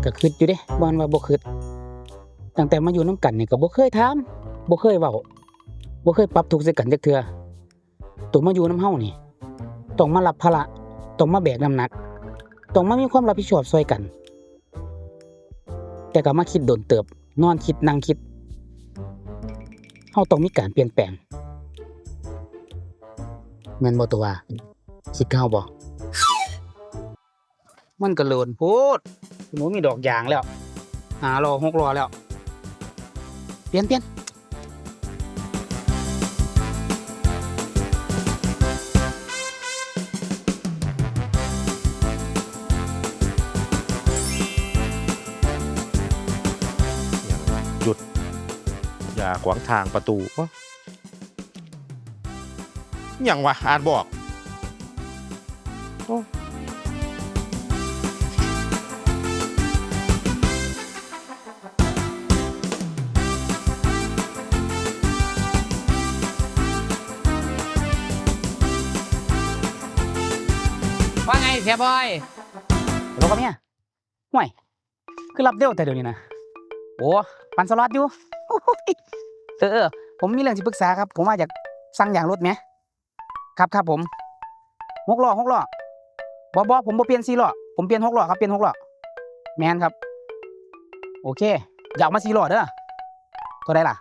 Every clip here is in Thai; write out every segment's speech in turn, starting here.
ก็คิดอยู่เด้บ่ว่าบ่คิดตั้งแต่มาอยู่นำกันนี่ก็บ่เคยถามบ่เคยเว้าบ่เคยปรับทุกข์ใส่กันจักเทื่อตัวมาอยู่นำเฮานี่ต้องมารับภาระต้องมาแบกน้ำหนักต้องมามีความรับผิดชอบช่วยกันแต่ก็มาคิดโดนเติบนอนคิดนั่งคิดเฮาต้องมีการเปลี่ยนแปลงแม่นบ่ตัวว่าคิดคือเฮาบ่มันก็โลนโพดหนูมีดอกยางแล้ว5ล้อ6ล้อแล้วเปลี่ยนหยุดอย่าขวางทางประตูวะอย่างวะอ่านบอกโอ้ว่าไงเสียบอยฮัลโหลครับเนี่ยห่วยคือรับเร็วแต่เดี๋ยวนี้นะโอ้ปั่นสล็อตอยู่โอ้ยผมมีเรื่องที่ปรึกษาครับผมว่าอยากสั่งยางรถไหมครับผม6ล้อบ่ผมบ่เปลี่ยน4ล้อผมเปลี่ยน6ล้อครับเปลี่ยน6ล้อแมนครับโอเคอยากมา4ล้อเด้อเท่าไหร่ล่ะ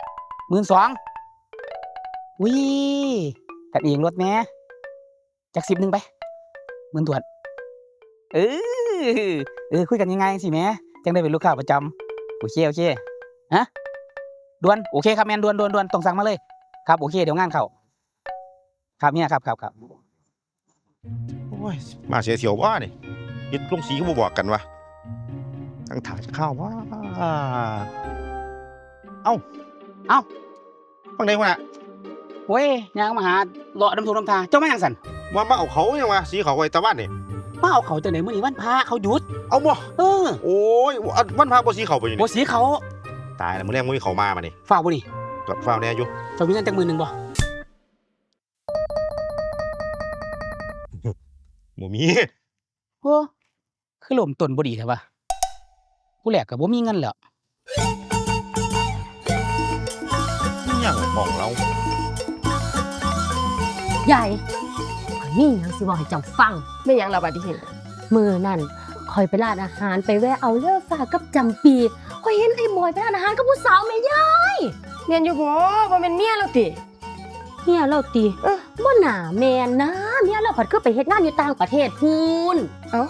12,000วิกันเองรถแม่จัก10นึงไป10,000ถวดคุยกันยังไงสิแม่จังได้เป็นลูกค้าประจำโอเคฮะด่วนโอเคครับแมนด่วนต้องสั่งมาเลยครับโอเคเดี๋ยวงานเข้าครับเนี่ยครับโอ้ยมาเสียวว่านี่ยึดลงสีก็บ่บอกกันวะทั้งถ่ายจะเข้าว่าเอ้าฟังได้วะน่ะเว้ยยางมาหาเลาะน้ำทงน้ำทาเจ้ามาหยังสั่นมาเอาเขายังวะสีเขาไว้ตะวันนี่มาเอาเขาจังไหนมื้อนี้วันพระเขาหยุดเอาบ่เออโอ้ยวันพระบ่สีเขาไปอยู่บ่นี่สีเขาตายแล้วมื้อแรกมื้อนี้เขามานี่ฝากบ่นี่กับฟ้าวแน่อยู่เจ้ามีเงินจัก10,000บ่บ่มีโอ้คือลมต้นบ่ดีแท้วะผู้แลกก็บ่มีเงินแล้วยังของเราใหญ่ข่อยมีหยังสิบอกให้เจ้าฟังไม่หยังเราบัดนี้เห็นมื้อนั่นข่อยไปร้านอาหารไปแวะเอาเลือฟ้ากับจำปีข่อยเห็นไอ้บอยไปร้านอาหารกับผู้สาวแม่ย่าเมียนอยู่บ่บ่แม่นเมียเราติเมียเราติบ่น่าแม่นนะเมียเราผัดคือไปเฮ็ดงานอยู่ต่างประเทศพูนเอ้า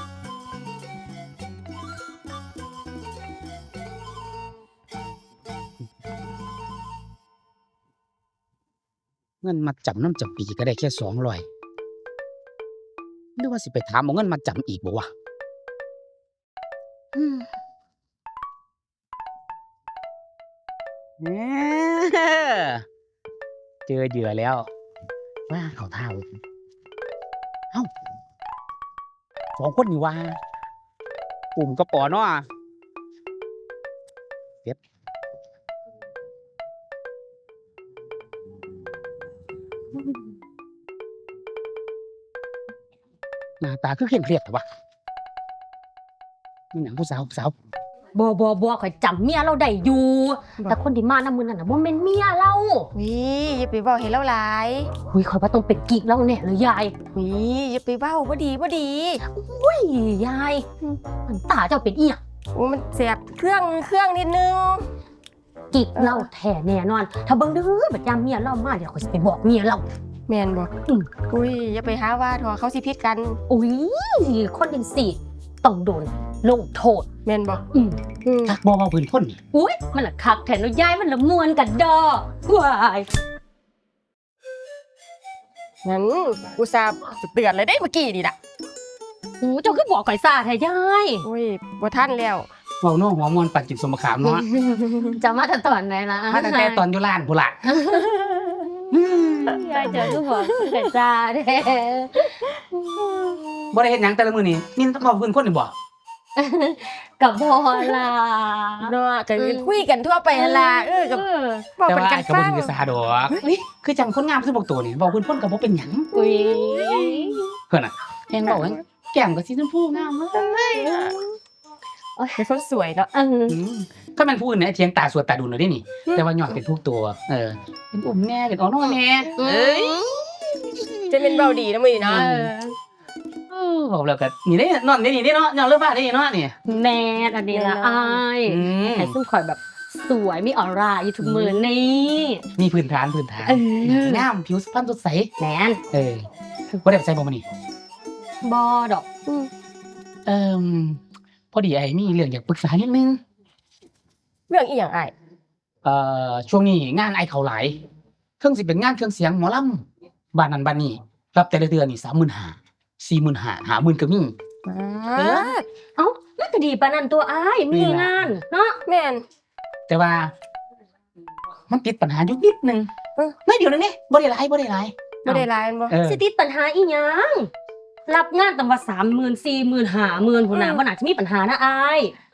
เงินมัดจำน้ำจำปีก็ได้แค่200หรือว่าสิไปถามเอาเงินมาจำอีกบ่วะเจอเหยื่อแล้วว่าเขาท่าเว้ยเอ้า2คนนี่ว่าปุ่มกระป๋อเนาะเสร็จหน้าตาคือเคร่งเครียดแต่ว่านี่หนังผู้สาวบ่ข่อยจำเมียเราได้อยู่ แต่คนที่มานำมื้อนั้นน่ะบ่แม่นเมียเราวิอย่าไปเว้าให้เราหลายหุยข่อยว่าต้องเป็นกิ๊กเราแน่เลยยายวิอย่าไปเว้าบ่ดีอุ้ยยายมันตาเจ้าเป็นอีหยังโอ้มันแสบเครื่องนิดนึงกิ๊กเราแท้แน่นอน ถ้าเบิ่งเด้อบัดยามเมียเรามาเดี๋ยวข่อยสิไปบอกเมียเราแม่นบ่อุ้ยอย่าไปหาว่าทอเขาสิผิดกันอุ้ยคนจังซี่ต้องโดนลงโทษแม่นบ่จักบ่เว้าพื้นคนนี่อุ้ยมันละคักแทนแล้วยายมันละมวนกันดอว้ายงั้นอุตส่าห์เตือนเลยได้เมื่อกี้นี่ล่ะโอ้เจ้าคือบอกข่อยซ่าแท้ยายโอ้ยบ่ทันแล้วเว้าโน้หัวมวนปัดจิตสมขามเนาะจะมาแต่ตอนไหนล่ะมาตั้งแต่ตอนอยู่ร้านพุ่นล่ะยายเจอคือบอกข่อยซ่าแท้บ่ได้เฮ็ดหยังแต่ละมื้อนี่มีแต่เว้าพื้นคนนี่บ่กับบ่ล่ะเนาะก็คุยกันทั่วไปหั่นล่ะกับเว้าแต่เป็นว่ากันก็บ่ฟังถือสาดอกคือจังคนงามคือพวกตัวนี่เว้าพื้นคนก็บ่เป็นหยังอุ้ยเพิ่นน่ะแฮงเว้าแฮงแก้มก็สีชมพูงามเลยเป็นคนสวยเนาะถ้ามันผู้อื่นเนี่ยเทียงตาสวดตาดูหน่อยได้นี่ แต่ว่าหยอดเป็นทุกตัว เป็นอุ่มแน่เป็นอ่อนน้อยแน่เอ้ยจะเป็นเบาดีนะมึงเนาะบอกแล้วก็นี่ได้นอนได้นี่ได้เนาะนอนเรื่องบ้านได้นี่เนาะนี่แม่อันนี้ละอ้ายไอ้ซึ่งคอยแบบสวยมีออร่าอยู่ทุกมือนี่มีพื้นฐาน งามผิวพรรณสดใสแมนว่าได้ใส่บ่มานี่บอดอกพอดีไอ้มีเรื่องอยากปรึกษานิดนึงเรื่องอีหยังอ้ายช่วงนี้งานไอ้เขาหลายเครื่องสิเป็นงานเครื่องเสียงหมอลำบ้านนั้นบ้านนี้รับแต่ละเดือนนี่35,000 40,000 50,000ก็มีเอ้านั่นก็ดีปานนั้นตัวอ้ายมีงานเนาะแม่นแต่ว่า มันติดปัญหาอยู่นิดนึงน้อยเดียวนึงนี่บ่ได้หลายบ่ได้ร้ายแม่นบ่สิติดปัญหาอีหยังรับงานตั้งว่า30,000 40,000 50,000พุ่นน่ะบ่น่าจะมีปัญหานะอ้าย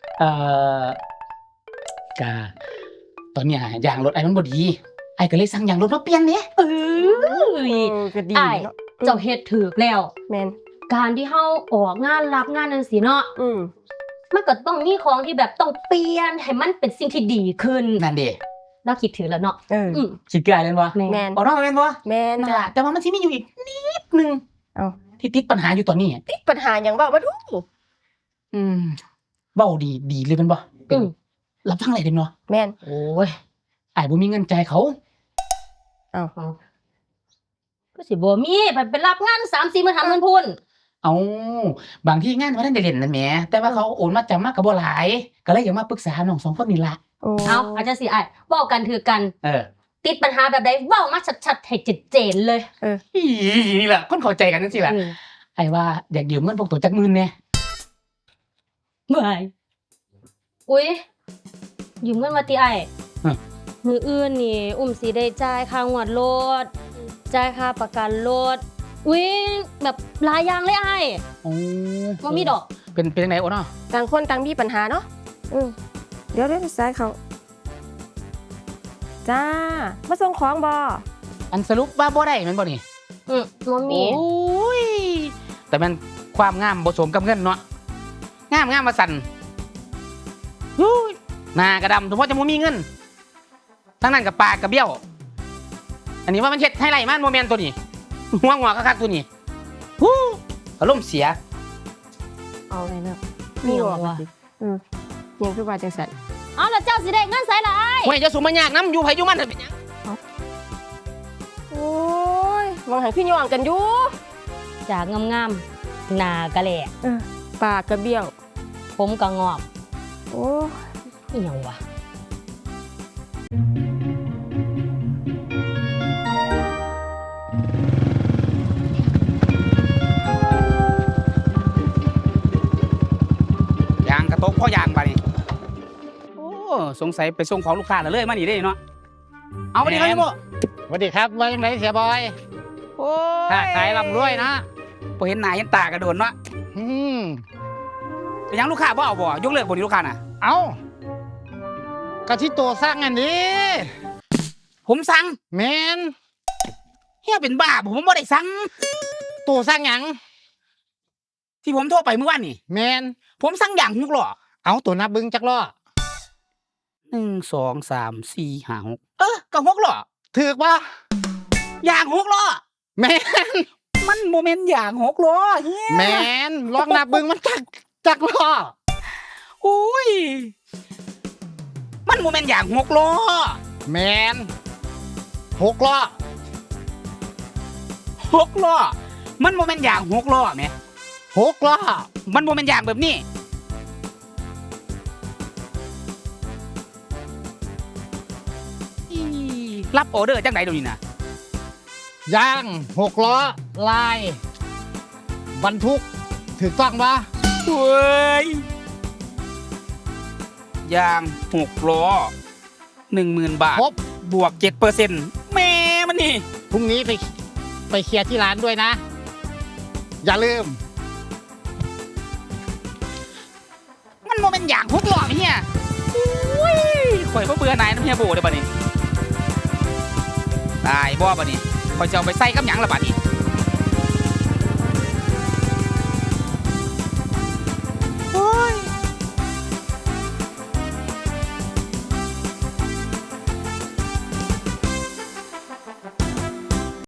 กะตอนเนี้ยยางรถไอ้มันบ่ดีไอ้ก็เลยสั่งยางรถมาเปลี่ยนเด้ก็ดีอ้ายเนาะเจ้าเฮ็ดถูกแล้วแม่นการที่เฮาออกงานรับงานจังซี่เนาะมันก็ต้องมีของที่แบบต้องเปลี่ยนให้มันเป็นสิ่งที่ดีขึ้นนั่นเด้เราคิดถึงแล้วเนาะคิดกลายเลยบ่แม่แม่นบ่เนาะแม่นบ่แม่นนั่นจ้ะล่ะแต่ว่ามันสิมีอยู่อีกนิดนึงเอ้าที่ติดปัญหาอยู่ตอนนี้ติดปัญหาหยังบ่มาดูเว้าดีเลยแม่นบ่เป็นรับฟังอะไรเด้เนาะแม่นโอ้ยอ้ายบ่มีเงินจ่ายเขาเอ้าก็สิบ่มีไปรับงาน 3-4 มื้อ50,000พุ่นเอาบางที่งานบ่ทันได้เล่นนั่นแหมแต่ว่าเขาโอนมาจำมาก็บ่หลายก็เลยอยากมาปรึกษาน้องสองคนนี่ล่ะเอาอาจารย์สิอ้ายเว้ากันถือกัน ติดปัญหาแบบใดเว้ามาชัดๆให้เจนเลยนี่แหละคนเข้าใจกันจังซี่ล่ะไอ้ว่าอยากยืมเงินพวกตัวจักหมื่นแน่ไม่อุ๊ยยืมเงินมาติอ้ายมื้ออื่นนี่อุ้มสิได้จ่ายค่างวดรถจ่ายค่าประกันรถอุ๊ยแบบหลายอย่างเลยอ้ายโอ้บ่มีดอกเป็นจังได๋โอ้เนาะต่างคนต่างมีปัญหาเนาะเดี๋ยวสายเขาจ้ามาส่งของบ่อันสรุปว่าบ่ได้แม่นบ่นี่บ่มีโอ้ยแต่มันความงามบ่สมกับเงินเนาะงามมาสั่นฮู้ยหน้ากระดำสมมุติจะบ่มีเงินทั้งนั้นกับปากกับเบี้ยวอันนี้ว่ามันเฮ็ดให้ไรมันบ่แม่นตัวนี้หัวคักๆตัวนี้ฮู้อารมณ์เสียเอาเลยเนาะมีออกมาสิยังคือว่าจังซั่นเอาแล้วเจ้าสิได้เงินไสล่ะอ้ายโอ้ยจะสูมายากน้ำอยู่ไผอยู่มันเป็นหยังโอ้ยวางหันพี่ย่องกันอยู่จากงามๆหน้ากะแหลกปากกระเบี้ยวผมก็งอกโอ้อีหยังวะยางกระตกพ่อยางบาดนี้โอ้สงสัยไปส่งของลูกค้าแล้วเลยมานี่ได้เนาะเอาไปดิครับพี่โมสวัสดีครับว่าจังไดเสียบอยโอ้ยค้าขายร่ำรวยนะบ่เห็นหน้าเห็นตากระโดนเนาะอืมเป็นหยังลูกค้าบ่เอาบ่ยกเลิกบ่นี่ลูกค้าน่ะเอากะที่โตสร้างอันนี้ผมสั่งแมนเฮียเป็นบ้าผมบ่ได้สั่งโตสร้างหยังที่ผมโทรไปเมื่อวานนี่แมนผมสั่งอย่าง6ล้อเอาตัวนับเบิ้งจักล้อ 1 2 3 4 5 6ก็6ล้อถือกบ่อย่าง6ล้อแมนมันบ่แม่นอย่าง6ล้อเฮียแมนลองนับเบิ้งมันจักล้อโอ้ยมันบ่แม่นอย่าง6ล้อแมน6ล้อ 6ล้อมันบ่แม่นอย่าง6ล้อแหม 6ล้อมันบ่แม่นอย่างแบบนี้อีรับออเดอร์จังได๋เดี๋ยวนี้นะยาง6ล้อลายบรรทุกถูกต้องบ่เฮ้ยยาง6ล้อ 10,000 บาทครบบวก 7%แม่มันนี่พรุ่งนี้ไปเคลียร์ที่ร้านด้วยนะ อย่าลืมมันบ่แม่นอย่าง6ล้อเฮียโอ้ยข่อยบ่เบื่อหน่ายน้ำเฮียโบเด้อบัดนี้ตายบ่บัดนี้ข่อยจะเอาไปใส่กับหยังล่ะบัดนี้